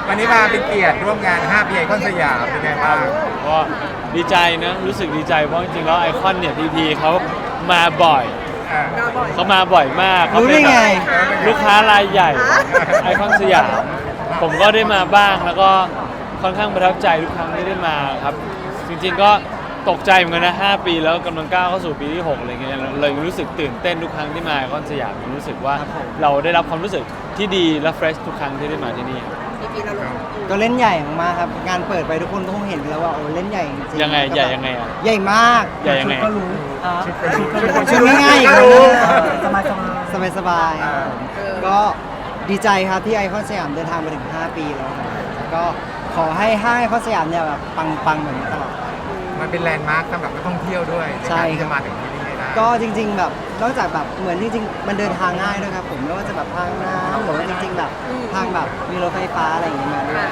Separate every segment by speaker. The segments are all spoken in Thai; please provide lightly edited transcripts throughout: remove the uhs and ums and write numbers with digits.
Speaker 1: วันนี้มาเป็นเกียรติร่วมงาน5 ปีไอคอนสยามเป็นไงบ้าง
Speaker 2: ก็ดีใจนะรู้สึกดีใจเพราะจริงๆแล้วไอคอนเนี่ยพีเขามาบ่อยเขามาบ่อยมากเขาเป็นลูกค้ารายใหญ่ไอคอนสยามผมก็ได้มาบ้างแล้วก็ค่อนข้างประทับใจทุกครั้งที่ได้มาครับจริงๆก็ตกใจเหมือนกันนะ5 ปีแล้วกำลังก้าวเข้าสู่ปีที่6อะไรเงี้ยเลยรู้สึกตื่นเต้นทุกครั้งที่มาไอคอนสยามรู้สึกว่าเราได้รับความรู้สึกที่ดีและเฟรชทุกครั้งที่ได้มาที่นี่
Speaker 3: ก็เล่นใหญ่มากครับงานเปิดไปทุกคนก็คงเห็นแล้วว่าโอ้เล่นใหญ่จริง
Speaker 2: ยังไงใหญ่ยังไงอ่ะ
Speaker 3: ใหญ่มาก
Speaker 2: ใหญ่ยังไง
Speaker 3: ก็รู้ชุดง่ายๆอีกแล้วสบายๆก็ดีใจครับที่ไอคอนสยามเดินทางมาถึง5 ปีแล้วครับก็ขอให้ห้างไอคอนสยามเนี่ยแบบปังๆแบบนี้ตลอด
Speaker 1: มันเป็นแลนด์มาร์คสำหรับนักท่องเที่ยวด้วย
Speaker 3: ใช่
Speaker 1: ที่จะมาถึงที่นี่ได้
Speaker 3: ก็จริงๆแบบนอกจากแบบเหมือนจริงๆมันเดินทางง่ายด้วยครับผมไม่ว่าจะแบบทางน้ำหรือว่าจริงๆแบบทางแบบมีรถไฟฟ้าอะไรอย่างเงี้ยมาด้วย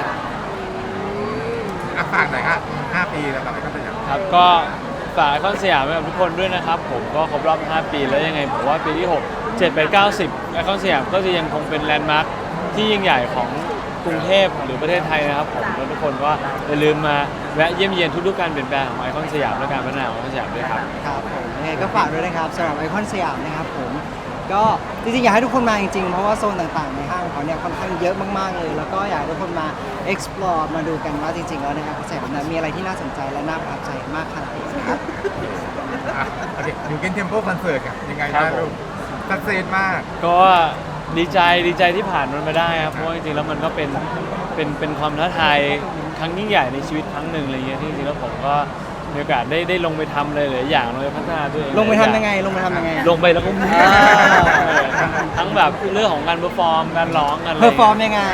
Speaker 1: ฝากหน่อยครับ5 ปีแล้วกับไอคอนสยาม
Speaker 2: ครับก็ฝากไอคอนสยามไว้กับทุกคนด้วยนะครับผมก็ครบรอบ5 ปีแล้วยังไงผมว่าปีที่6 7 8 9 10ไอคอนสยามก็จะยังคงเป็นแลนด์มาร์คที่ยิ่งใหญ่ของกรุงเทพหรือประเทศไทยนะครับผมแล้วทุกคนก็อย่าลืมมาแวะเยี่ยมเยียนทุกๆการเปลี่ยนแปลงของไอคอนสยามและการพัฒนาของไอคอนสยามด้วยครับ
Speaker 3: ครับผมยังไงก็ฝากด้วยนะครับสำหรับไอคอนสยามนะครับผมก็จริงๆอยากให้ทุกคนมาจริงๆเพราะว่าโซนต่างๆในห้างเขาเนี่ยค่อนข้างเยอะมากๆเลยแล้วก็อยากให้ทุกคนมา explore มาดูกันว่าจริงๆแล้วในไอคอนสยามมีอะไรที่น่าสนใจและน่าประทับใจมากขนาดไหนครับ
Speaker 1: โอเคอยู่กินเทมโพคอนเสิร์ตยังไงบ้างลูกสักเซสมาก
Speaker 2: ก็ดีใจที่ผ่านมันมาได้ครับเพราะว่าจริงๆแล้วมันก็เป็นความท้าทายครั้งยิ่งใหญ่ในชีวิตครั้งหนึ่งอะไรเงี้ยที่จริงๆแล้วผมก็มีโอกาสได้ลงไปทำเลยหลายอย่างลงไปพัฒนาตัวเอง
Speaker 3: ลงไปทำยังไงลงไป
Speaker 2: แล้วก็ทั้งแบบเรื่องของการเพอร์ฟอร์มการร้องกัน
Speaker 3: เพอร์ฟอร์มยังไง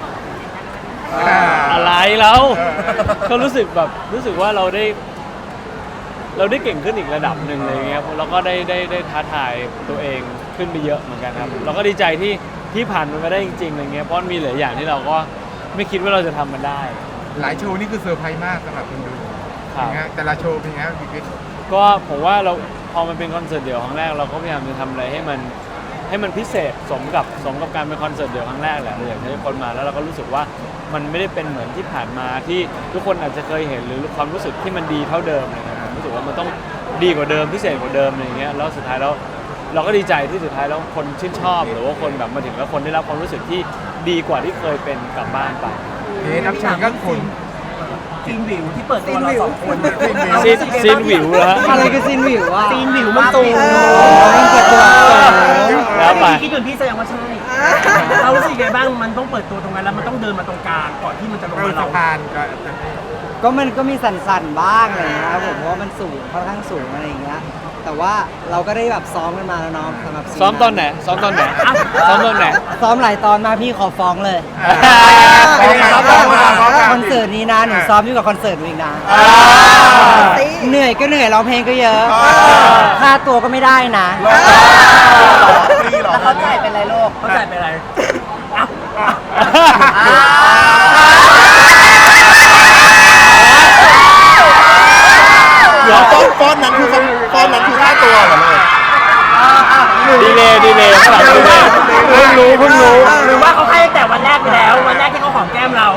Speaker 2: อะไรแล้วก็รู้สึกว่าเราได้เก่งขึ้นอีกระดับหนึ่งเลยเงี้ยเราก็ได้ท้าทายตัวเองขึ้นไปเยอะเหมือนกันครับเราก็ดีใจที่ผ่านมันมาได้จริงๆอะไรเงี้ยเพราะมีหลายอย่างที่เราก็ไม่คิดว่าเราจะทำมันได้
Speaker 1: หลายโชว์นี่คือเซอร์ไพรส์มากสำหรับคนดูแต่ละโชว์เป็นไงพี่กิ๊ก
Speaker 2: ก็ผมว่าเราพอมันเป็นคอนเสิร์ตเดี่ยวครั้งแรกเราก็พยายามจะทำอะไรให้มันพิเศษสมกับการเป็นคอนเสิร์ตเดี่ยวครั้งแรกแหละเราอยากให้คนมาแล้วเราก็รู้สึกว่ามันไม่ได้เป็นเหมือนที่ผ่านมาที่ทุกคนอาจจะเคยเห็นหรือความรู้สึกที่มันดีเท่าเดิมนะครับผมรู้สึกว่ามันต้องดีกว่าเดิมพิเศษกว่าเดิมอะไรเงี้ยแล้วสุดท้ายแล้วเราก็ดีใจที่สุดท้ายแล้วคนชื่นชอบหรือว่าคนแบบมาถึงแล้วคนได้รับความรู้สึกที่ดีกว่าที่เคยเป็นกลับบ้านไป
Speaker 1: รับเชิญก็คุณ
Speaker 4: ซีนวิวที่เปิดตัวเรา2 คน
Speaker 2: ซีนวิวเหรอ
Speaker 3: อะไรคือซีนวิวอ่ะ
Speaker 4: ซีนวิวมันตู
Speaker 3: มันเปิดตัว
Speaker 2: แล้วไป
Speaker 4: คิดเหมือนพี่แสดงว่าใช่เรารู้สึกไงบ้างมันต้องเปิดตัวตรงนั้นแล้วมันต้องเดินมาตรงกลางก่อนที่มันจะลงมาเรา
Speaker 3: ก็มันก็มีสั่นๆบ้างอะไรนะครับผมเพราะว่ามันสูงค่อนข้างสูงอะไรอย่างเงี้ยแต่ว่าเราก็ได้แบบซ้อมกันมาแล้วน้องสำหรับ
Speaker 2: ซ้อมตอนไหนซ้อมตอนไหนซ้อม
Speaker 3: หลายตอนมาพี่ขอฟ้องเลยคอนเสิร์ตนี้นะหนูซ้อมยิ่งกว่าคอนเสิร์ตอีกนะเหนื่อยก็เหนื่อยร้องเพลงก็เยอะค่าตัวก็ไม่ได้นะ
Speaker 4: แล้วเขาจ่ายเป็นไรโลกเขาจ่ายเป็นไร
Speaker 1: เดี๋ยวฟอนนั้นคือค่าตัวเหรอ
Speaker 2: เลยดีเลยข้างหลังดีเลยเพิ่งรู้
Speaker 4: หรือว่าเขาให้แต่วันแรกไปแล้ววันแรกที่เขาหอมแก้มเรา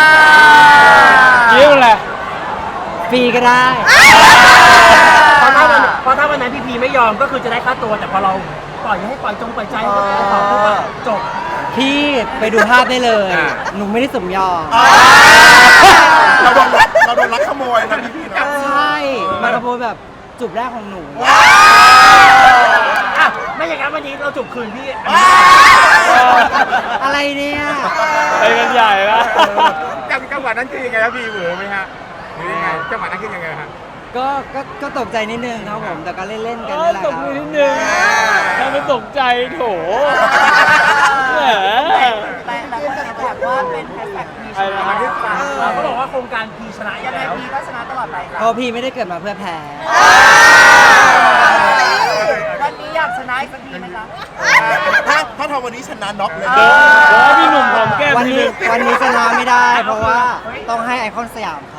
Speaker 2: ยิ้มอะไร
Speaker 3: ฟรีก็ได้
Speaker 4: เพราะถ้าวันนั้นพี่ไม่ยอมก็คือจะได้ค่าตัวแต่พอเราปล่อยใจก็ขอปุ๊บจบ
Speaker 3: พี่ไปดูภาพได้เลยหนูไม่ได้สมยอม
Speaker 1: เราโดนลักขโมยนะพี่นะ
Speaker 3: ใช่มาขโมยแบบจูบแรกของหนู
Speaker 4: ไม่อย่างนั้นวันนี้เราจูบคืนพี่
Speaker 3: อะไรเนี่ย
Speaker 2: ไปกันใหญ่ละ
Speaker 1: จังหวะนั้นคือยังไงครับพี่เหวอไหมฮะหรือยังไงจังหวะนั้นคือยังไงฮะ
Speaker 3: ก็ตกใจนิดนึงครับผมแต่ก็เล่นกันนี่แหละครับ
Speaker 2: ตกใจนิดนึงถ้าไม่ตกใจโถ
Speaker 4: แต่ว่าเป็นแฮชแท็กพีชนะเขาบอกว่าโครงการพีชนะยังไงพีก็ชนะตลอดไป
Speaker 3: เพราะพี่ไม่ได้เกิดมาเพื่อแพ้
Speaker 4: วันนี้อยากชนะอีกสักทีไหมคะ
Speaker 1: ถ้าทำวันนี้ชนะน็อกเลย
Speaker 2: พี่หนุ่มหอมแก้ม
Speaker 3: วันนี้ชนะไม่ได้เพราะว่าต้องให้ไอคอนสยามเขา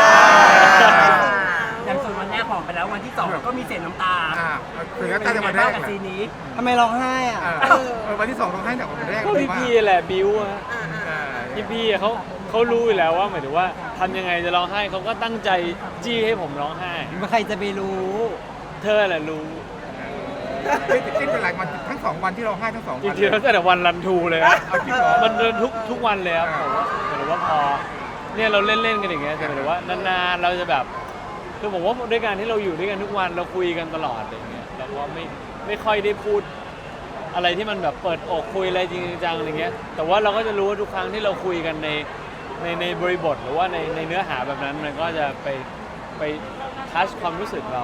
Speaker 4: อย่างส่วนวันแรกหอมไปแล้ววันที่2ก็มีเศษน้ำตา
Speaker 1: ถึงน้ำตาจะมาแรก
Speaker 4: กับซีนี้
Speaker 3: ทำไมร้องไห้อ่ะ
Speaker 1: วันที่2ร้องไห้จากวันแรก
Speaker 2: ก็พี่แหละบิ้วอะ
Speaker 1: ย
Speaker 2: พี่ๆเขารู้อยู่แล้วว่าหมายถึงว่าทำยังไงจะร้องไห้เขาก็ตั้งใจจี้ให้ผมร้องไห้
Speaker 3: ใครจะไปรู้
Speaker 2: เธอแหละรู้
Speaker 1: จิ้นเป็นหลายวันทั้ง2 วันที่เราให้ทั้ง2
Speaker 2: จ
Speaker 1: วัน
Speaker 2: ริงๆแล้วแต่วันรันทูเลยครับ
Speaker 1: เอาจริงเหรอ
Speaker 2: มันเดินทุกวันเลยครับผมว่าหมายถึงว่าพอเนี่ยเราเล่นๆกันอย่างเงี้ยแต่หมายถึงว่านานๆเราจะแบบคือผมว่าด้วยการที่เราอยู่ด้วยกันทุกวันเราคุยกันตลอดอะไรอย่างเงี้ยเราก็ไม่ค่อยได้พูดอะไรที่มันแบบเปิดอกคุยอะไรจริงจังอะไรเงี้ยแต่ว่าเราก็จะรู้ว่าทุกครั้งที่เราคุยกันในบริบทหรือว่าในเนื้อหาแบบนั้นมันก็จะไปทัชความรู้สึกเรา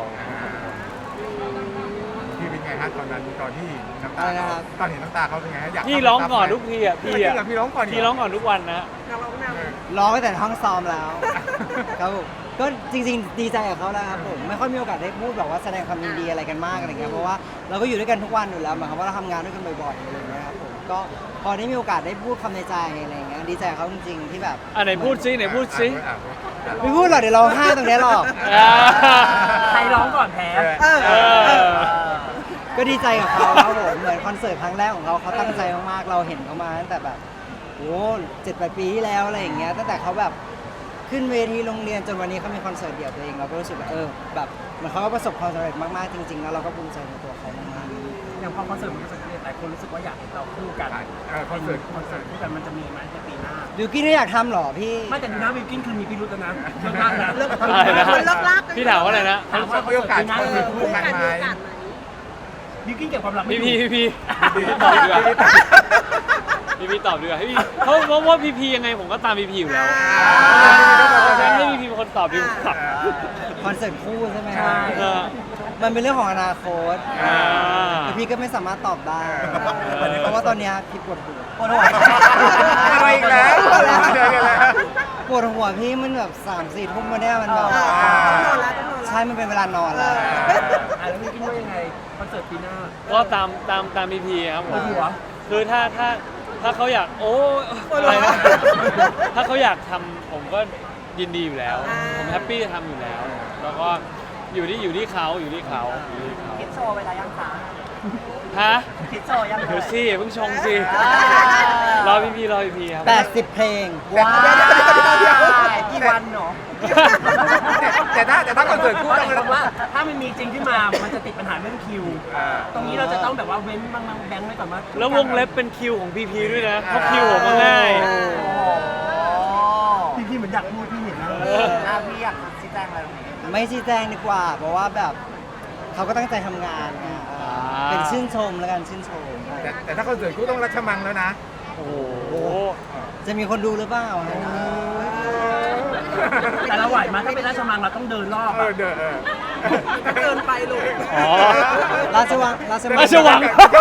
Speaker 1: พี่เป็นไงฮะตอนนั้นตอนที่น้ำตา
Speaker 3: อะไรนะครับ
Speaker 1: ตอนเห็นน้ำตาเขาเป็นไงฮะอยาก
Speaker 2: พี่ร้องก่อนทุกทีอ่ะพี่
Speaker 1: จริง
Speaker 2: อ่ะ
Speaker 1: เหรอพี่ร้องก่อน
Speaker 2: พี่ร้องก่อนทุกวันนะ
Speaker 3: ร้องไปแต่ห้องซ้อมแล้ว ครับผมก็จริงๆดีใจกับเขาแล้วครับผมไม่ค่อยมีโอกาสได้พูดแบบว่าแสดงความยินดีอะไรกันมากอะไรเงี้ยเพราะว่าเราก็อยู่ด้วยกันทุกวันอยู่แล้วหมายความว่าเราทำงานด้วยกันบ่อยๆอะไรเงี้ยครับผมก็พอได้มีโอกาสได้พูดคำในใจอะไรเงี้ยดีใจกับเขาจริงๆที่แบบ
Speaker 2: ไหนพูดซิไหนพูดซิ
Speaker 3: ไม่พูดหรอกเดี๋ยวร้องไห้ตรงเนี้ยหรอก
Speaker 2: อ่า
Speaker 4: ใครร้องก่อนแพ้
Speaker 2: เออ
Speaker 3: ก็ดีใจกับเขาครับผมเหมือนคอนเสิร์ตครั้งแรกของเขาตั้งใจมากๆเราเห็นเขามาตั้งแต่แบบโอ้7-8 ปีที่แล้วอะไรอย่างเงี้ยตั้งแต่เขาแบบขึ้นเวทีโรงเรียนจนวันนี้เขามีคอนเสิร์ตเดี่ยวตัวเองเราก็รู้สึกว่าแบบเหมือนเขาก็ประสบความสำเร็จมากๆจริงๆแล้วเราก็ภูมิใจในตัวเขามากๆ
Speaker 4: อย่างพอคอนเสิร์ตมันประสบความสำเร็จหลายคนรู้สึกว่าอยากเห็นเราคู่กัน
Speaker 1: คอนเสิร์ต
Speaker 4: คู่กันมันจะมีไหมในปีหน้า
Speaker 3: บิวกิ้นไม่อยากทำหรอพี่
Speaker 4: ไม่แต่ดูนะวิวกินคือมีพิรุธแล้วนะเลิกลากนะเลิก
Speaker 2: อะไรนะ
Speaker 5: คนเลิกลากกัน
Speaker 2: พี่ถามว่าอะไรนะ
Speaker 4: ถามว่า
Speaker 1: มีโอกาสคอนเสิร์ตคู่กันไหม
Speaker 4: วิวกินเก็บความลับไม่
Speaker 2: พี่
Speaker 4: อยู่
Speaker 2: พี่ตอบดีกว่าพี่ตอบดีกว่าให้พี่เพราะว่าพี่ยังไงผมก็ตามพี่อยู่แล้วให้พี่เป็นคนตอบดีกว่า
Speaker 3: คอนเสิร์ตคู่ใช่ไหม
Speaker 4: ใช่
Speaker 2: เออ
Speaker 3: มันเป็นเรื่องของอนาคต
Speaker 2: อ่า
Speaker 3: แต่พี่ก็ไม่สามารถตอบได้ เพราะว่าตอนเนี้ยพี่ปวดหัว
Speaker 1: อะไรอีกแล้วเจอกันแล้ว
Speaker 3: ปวดหัวพี่มันแบบ3-4 ทุ่มมาเนี่ยมันแบบ
Speaker 5: ต้องนอนแล้วต้องนอนแล้ว
Speaker 3: ใช่มันเป็นเวลานอนแล้ว
Speaker 4: แล้ววิวกินว่ายังไงคอนเสิร์ตปีหน้า
Speaker 2: ก็ตามพี่ครับผม
Speaker 4: ปวดหัว
Speaker 2: คือถ้าเขาอยากโอ้อะไรนะถ้าเขาอยากทำผมก็ยินดีอยู่แล้ว ผมแฮปปี้จะทำอยู่แล้ว แล้วก็อยู่ที่เขา
Speaker 6: คิดโชว์ไปแล้วยังคะ
Speaker 2: ฮะ
Speaker 6: คิดโชว์ยังเล
Speaker 2: เดี๋ยวย สิเพิ่งชงสิ
Speaker 6: อ่าร
Speaker 2: อพี่ครับ
Speaker 3: 80 เพลง
Speaker 6: ว้ายกี่วันเนาะ
Speaker 1: แต่ถ้าคอนเสิร์ตคู่
Speaker 4: เพราะ
Speaker 1: ต้อง
Speaker 4: หมายความว่าถ้ามันมีจริงขึ้นมา มันจะติดปัญหาเรื่องคิว ตรงนี้เราจะต้องแบบว่าเว้นบางแบงค์ไว้ก่อนว่า
Speaker 2: แล้ววงเล็บเป็นคิวของพีด้วยนะเพราะคิวผมมันง่าย
Speaker 4: พี่เหมือนอยากพูดพี่เห็นนะ
Speaker 6: พี่อยากชี้แจงอะไรตรงนี้
Speaker 3: ไม่ชี้แจงดีกว่า เพราะว่าแบบเขาก็ตั้งใจทำงานนะเป็นชื่นชมแล้วกันชื่นชม
Speaker 1: แต่ถ้าคอนเสิร์ตคู่ต้องรัชมังแล้วนะ
Speaker 2: โอ้โห
Speaker 3: จะมีคนดูหรือเปล่า
Speaker 4: แต่เราไหวไหมถ้าเป็นราชมังเราต้องเดินรอบอะ
Speaker 5: เกินไปลูก
Speaker 2: อ๋อ
Speaker 3: ราชวัง
Speaker 2: ราชวัง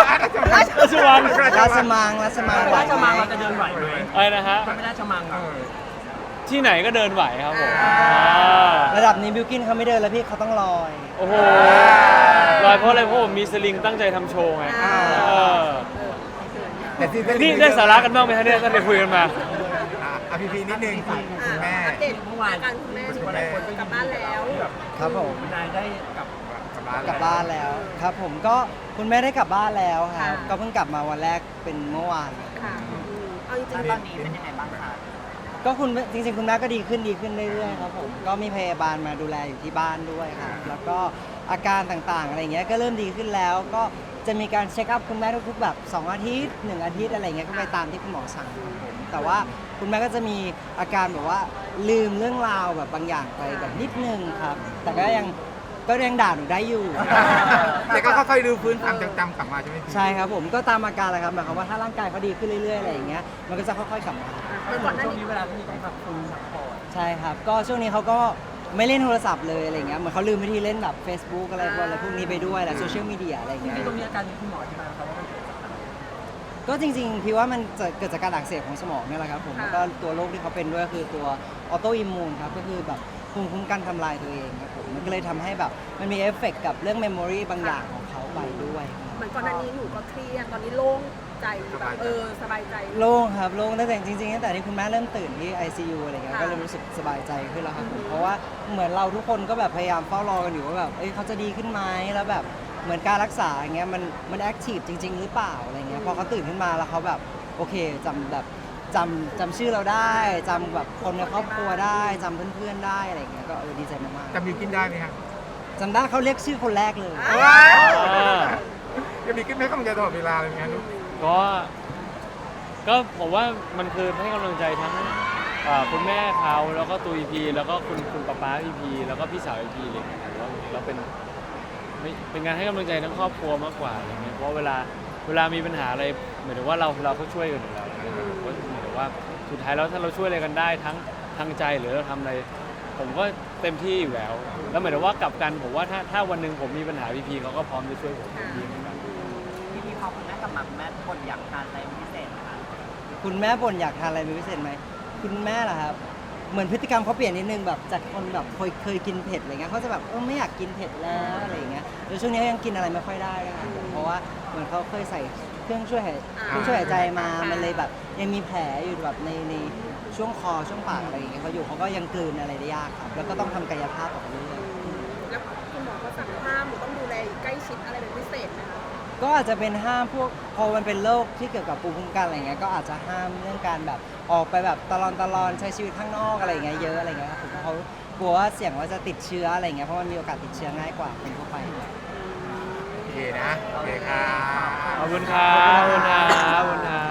Speaker 3: ราชมังไหว
Speaker 4: ราช
Speaker 3: ไหม
Speaker 4: มังเราจะเดินไหวไหม
Speaker 2: อะไรนะฮะ
Speaker 4: ถ้าเป็นราชมังอะ
Speaker 2: ที่ไหนก็เดินไหวครับผม
Speaker 3: ระดับนี้บิวกินเขาไม่เดินแล้วพี่เขาต้องลอย
Speaker 2: โอ้โหลอยเพราะอะไรเพราะผมมีสลิงตั้งใจทำโชว์ไงเออ
Speaker 1: แต่ซีซั่น
Speaker 2: นี่ได้สาระกันบ้างไหมฮะเนี่ยตั้งแต่คุยกันมา
Speaker 1: พีนิดนึงคุณแม่
Speaker 5: อัปเดตอาการคุณแม่สุขภาพกลับบ้านแล้ว
Speaker 3: ครับผม
Speaker 4: นายได้กับ
Speaker 3: กลับบ้านแล้วครับผมก็คุณแม่ได้กลับบ้านแล้วครับก็เพิ่งกลับมาวันแรกเป็นเมื่อวาน
Speaker 5: ค่ะเอาจริง
Speaker 6: แล้วตอนนี้เป็นยังไงบ้างคะ
Speaker 3: ก็จริงๆคุณแม่ก็ดีขึ้นเรื่อยๆครับผมก็มีพยาบาลมาดูแลอยู่ที่บ้านด้วยครับแล้วก็อาการต่างๆอะไรเงี้ยก็เริ่มดีขึ้นแล้ว ก็จะมีการเช็คอัพคุณแม่ทุกๆแบบ2 อาทิตย์1 อาทิตย์อะไรเงี้ยก็ไปตามที่คุณหมอสั่งครับผมแต่ว่าคุณแม่ก็จะมีอาการแบบว่าลืมเรื่องราวแบบบางอย่างไปแบบนิดนึงครับแต่ก็ยังด่าหนูได้อยู่
Speaker 1: แต่ก็ค่อยๆดูพื้นความจำกลับมาใช่ไหมพี่
Speaker 3: ใช่ครับผมก็ตามอาการแหละครับหมายความว่าถ้าร่างกายเขาดีขึ้นเรื่อยๆอะไรอย่างเงี้ยมันก็จะค่อยๆกลับมา
Speaker 4: ก็เหมือนช่วงนี้เวลาที่ต้องพักฟื้นพักผ่อน
Speaker 3: ใช่ครับก็ช่วงนี้เขาก็ไม่เล่นโทรศัพท์เลยอะไรเงี้ยเหมือนเขาลืมวิธีเล่นแบบ Facebook อะไรพวกนี้ไปด้วยแหละโซเชียลมีเดียอะไรเงี้ย
Speaker 4: ที่ตรงนี้อาการนี้คุณหมอที่มาเขาว่ามันเกิดจากอะไร
Speaker 3: ก็จริงๆพี่ว่ามันจะเกิดจากการอักเสบของสมองเนี่ยแหละครับผมแล้วก็ตัวโรคที่เขาเป็นด้วยคือตัวออโตอิมมูนครับก็คือแบบภูมิคุ้มกันทำลายตัวเองครับผมมันก็เลยทำให้แบบมันมีเอฟเฟกต์กับเรื่องเมมโมรีบางอย่างของเขาไปด้วยครับ
Speaker 5: เหมือนก่อนหน้านี้หนูก็เครียดตอนนี้โล่งใจแบบสบายใจ
Speaker 3: โล่งครับโล่งตั้งแต่จริงๆตั้งแต่ที่คุณแม่เริ่มตื่นที่ ICU อะไรเงี้ยก็เริ่มรู้สึกสบายใจขึ้นแล้วครับผมเพราะว่าเหมือนเราทุกคนก็แบบพยายามเฝ้ารอกันอยู่ว่าแบบเขาจะดีขึ้นไหมแล้วแบบเหมือนการรักษาอย่างเงี้ยมันแอคทีฟจริง ๆ หรือเปล่าอะไรเงี้ยพอเขาตื่นขึ้นมาแล้วเขาแบบโอเคจำแบบจำชื่อเราได้จำแบบคนในครอบครัวได้จำเพื่อนๆได้อะไรอย่างเงี้ยก็ดีใจมาก
Speaker 1: จำบิวกินได้ไหมครับ
Speaker 3: ๆจำได้เขาเรียกชื่อคนแรกเลย
Speaker 1: จะบิวกินไม่ต้องใจตลอดเวลาเลยไงลูก
Speaker 2: ก็ผมว่ามันคือให้กำลังใจทั้งคุณแม่เขาแล้วก็ตัวพีแล้วก็คุณป๊าพีแล้วก็พี่สาวพีเลยผมว่าเราเป็นการให้กำลังใจทั้งครอบครัวมากกว่าอะไรเงี้ยเพราะเวลามีปัญหาอะไรหมายถึงว่าเราก็ช่วยกันอยู่แล้วก็หมายถึงว่าสุดท้ายแล้วถ้าเราช่วยอะไรกันได้ทั้งทางใจหรือเราทำอะไรผมก็เต็มที่อยู่แล้วหมายถึงว่ากลับกันผมว่าถ้าวันหนึ่งผมมีปัญหาพีเขาก็พร้อมจะช่วยผมดีเหมือนกัน
Speaker 6: พี่พอคุณแม่กับหมักแม่คนอยากทานอะไรพิเศษไหมคะ
Speaker 3: คุณแม่บ่นอยากทานอะไรเป็นพิเศษไหมคุณแม่เหรอครับเหมือนพฤติกรรมเขาเปลี่ยนนิดนึงแบบจากคนแบบเคยกินเผ็ดอะไรเงี้ยเขาจะแบบไม่อยากกินเผ็ดแล้วอะไรอย่างเงี้ยแล้วช่วงนี้เขายังกินอะไรไม่ค่อยได้นะครับเพราะว่าเหมือนเขาเคยใส่เครื่องช่วยหายใจมามันเลยแบบยังมีแผลอยู่แบบในช่วงคอช่วงปากอะไรอย่างเงี้ยเขาอยู่เขาก็ยังกลืนอะไรได้ยากครับแล้วก็ต้องทำกายภาพต่อเรื่อย
Speaker 5: แล้วคุณหมอก็สั่งห้ามหรือต้องดูแลใกล้ชิดอะไรเป็นพิเศษไหมคะ
Speaker 3: ก็อาจจะเป็นห้ามพวกพอมันเป็นโรคที่เกี่ยวกับภูมิคุ้มกันอะไรเงี้ยก็อาจจะห้ามเรื่องการแบบออกไปแบบตลอนใช้ชีวิตข้างนอกอะไรเงี้ยเยอะอะไรเงี้ยครับผมเขากลัวว่าเสี่ยงว่าจะติดเชื้ออะไรเงี้ยเพราะมันมีโอกาสติดเชื้อง่ายกว่าคนทั่วไป
Speaker 1: โอเคนะ โอเคครับ
Speaker 2: ขอบคุณครับขอบคุณครับ